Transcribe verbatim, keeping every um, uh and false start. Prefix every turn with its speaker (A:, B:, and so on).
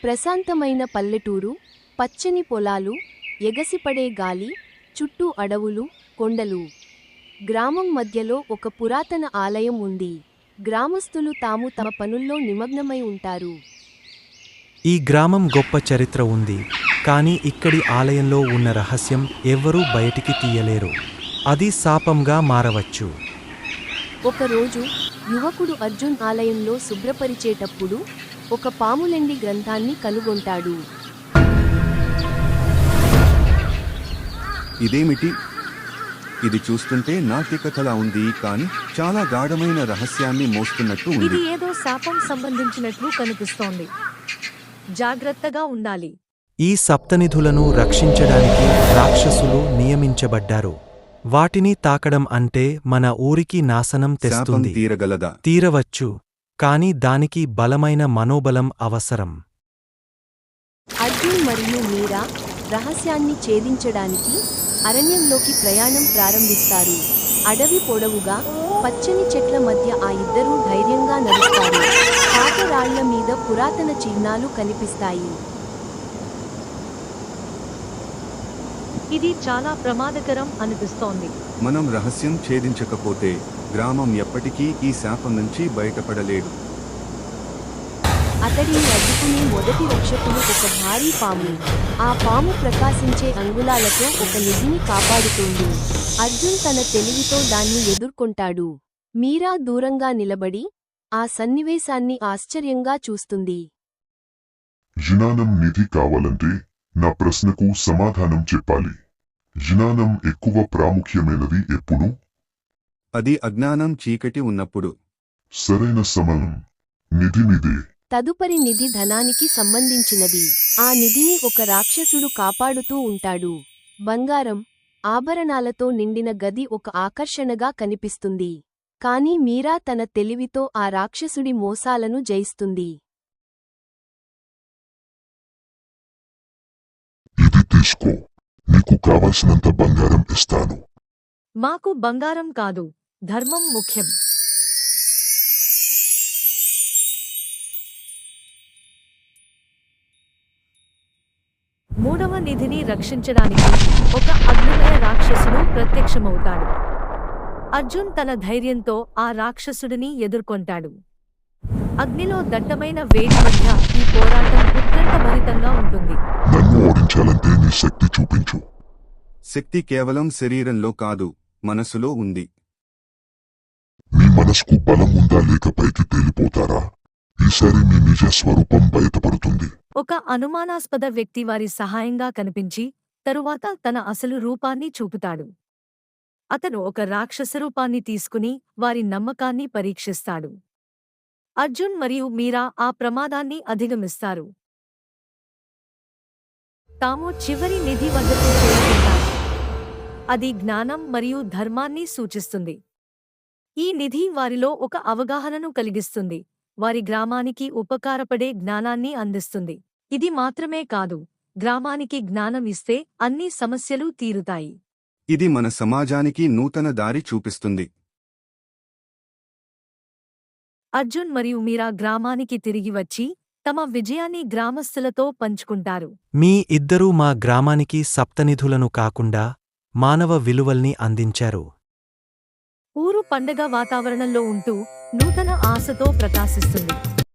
A: ప్రశాంతమైన పల్లెటూరు, పచ్చని పొలాలు, ఎగసిపడే గాలి, చుట్టూ అడవులు, కొండలు. గ్రామం మధ్యలో ఒక పురాతన ఆలయం ఉంది. గ్రామస్తులు తాము తమ పనుల్లో నిమగ్నమై ఉంటారు.
B: ఈ గ్రామం గొప్ప చరిత్ర ఉంది, కానీ ఇక్కడి ఆలయంలో ఉన్న రహస్యం ఎవ్వరూ బయటికి తీయలేరు. అది శాపంగా మారవచ్చు.
A: ఒకరోజు యువకుడు అర్జున్ ఆలయంలో శుభ్రపరిచేటప్పుడు ఒక పాములెండి గ్రంథాన్ని కనుగొంటాడు.
C: ఇదేమిటి? ఇది చూస్తుంటే నాట్యకథలా ఉంది, కానీ చాలా గాఢమైన రహస్యాన్ని మోస్తున్నట్టు ఉంది.
D: ఇది ఏదో శాపం సంబంధించినట్లు కనిపిస్తోంది. జాగ్రత్తగా ఉండాలి.
B: ఈ సప్తనిధులను రక్షించడానికి రాక్షసులు నియమించబడ్డారు. వాటిని తాకడం అంటే మన ఊరికి నాశనం
C: శాపం
B: తెస్తుంది.
C: తీరగలదా?
B: తీరవచ్చు, కాని దానికి బలమైన మనోబలం అవసరం.
A: అర్జున్ మరియు మీరా రహస్యాన్ని ఛేదించడానికి అరణ్యంలోకి ప్రయాణం ప్రారంభిస్తారు. అడవి పొడవుగా పచ్చని చెట్ల మధ్య ఆ ఇద్దరూ ధైర్యంగా నడుస్తారు. పాత రాళ్ల మీద పురాతన చిహ్నాలు కనిపిస్తాయి.
D: ఇది చాలా ప్రమాదకరం అనిపిస్తోంది.
C: మనం రహస్యం ఛేదించకపోతే గ్రామం ఎప్పటికీ ఈ శాపం నుంచి బయటపడలేడు.
A: అతడిని అడ్డుకునే మొదటి రక్షకులు ఒక భారీ పాము. ఆ పాము ప్రకాశించే అంగుళాలతో ఒక నిధిని కాపాడుతుంది. అర్జున్ తన తెలివితో దాన్ని ఎదుర్కొంటాడు. మీరా దూరంగా నిలబడి ఆ సన్నివేశాన్ని ఆశ్చర్యంగా చూస్తుంది.
E: జ్ఞానం నిధి కావాలంటే నా ప్రశ్నకు సమాధానం చెప్పాలి. జ్ఞానం ఎక్కువ ప్రాముఖ్యమైనది ఎప్పుడు?
C: అది అజ్ఞానం చీకటి ఉన్నప్పుడు.
E: సరైన సమయం. నిధి నిదే.
A: తదుపరి నిధి ధనానికి సంబంధించినది. ఆ నిధిని ఒక రాక్షసుడు కాపాడుతూ ఉంటాడు. బంగారం, ఆభరణాలతో నిండిన గది ఒక ఆకర్షణగా కనిపిస్తుంది. కాని మీరా తన తెలివితో ఆ రాక్షసుడి మోసాలను జయిస్తుంది.
E: ఇది తీసుకో. నీకు కావలసినంత బంగారం ఇస్తాను.
D: మాకు బంగారం కాదు, ధర్మం ముఖ్యం. మూడవ నిధిని రక్షించడానికి ఒక అగ్నిమయ రాక్షసుడు ప్రత్యక్షమవుతాడు. అర్జున్ తన ధైర్యంతో ఆ రాక్షసుడిని ఎదుర్కొంటాడు. అగ్నిలో దట్టమైన వేడి మధ్య ఈ పోరాటం ఉత్కంఠభరితంగా ఉంటుంది.
E: నన్ను ఓడించాలంటే నీ శక్తి చూపించు.
C: శక్తి కేవలం శరీరంలో కాదు, మనసులో ఉంది.
E: మీ మనసుకు బలం ఉందా లేక పైకి తేలిపోతారా? ఈసారి మీ నిజ స్వరూపం బయటపడుతుంది.
D: ఒక అనుమానాస్పద వ్యక్తి వారి సహాయంగా కనిపించి తరువాత తన అసలు రూపాన్ని చూపుతాడు. అతను ఒక రాక్షస రూపాన్ని తీసుకుని వారి నమ్మకాన్ని పరీక్షిస్తాడు. అర్జున్ మరియు మీరా ఆ ప్రమాదాన్ని అధిగమిస్తారు. తాము చివరి నిధి వద్దకు చేరుకుంటారు. అది జ్ఞానం మరియు ధర్మాన్ని సూచిస్తుంది. ఈ నిధి వారిలో ఒక అవగాహనను కలిగిస్తుంది. వారి గ్రామానికి ఉపకారపడే జ్ఞానాన్ని అందిస్తుంది. ఇది మాత్రమే కాదు, గ్రామానికి జ్ఞానం ఇస్తే అన్ని సమస్యలు తీరుతాయి.
C: ఇది మన సమాజానికి నూతన దారి చూపిస్తుంది.
D: అర్జున్ మరియు మీరా గ్రామానికి తిరిగి వచ్చి తమ విజయాన్ని గ్రామస్తులతో పంచుకుంటారు.
B: మీ ఇద్దరూ మా గ్రామానికి సప్తనిధులను కాకుండా మానవ విలువల్ని అందించారు.
D: ఊరు పండగ వాతావరణంలో ఉంటూ నూతన ఆశతో ప్రకాశిస్తుంది.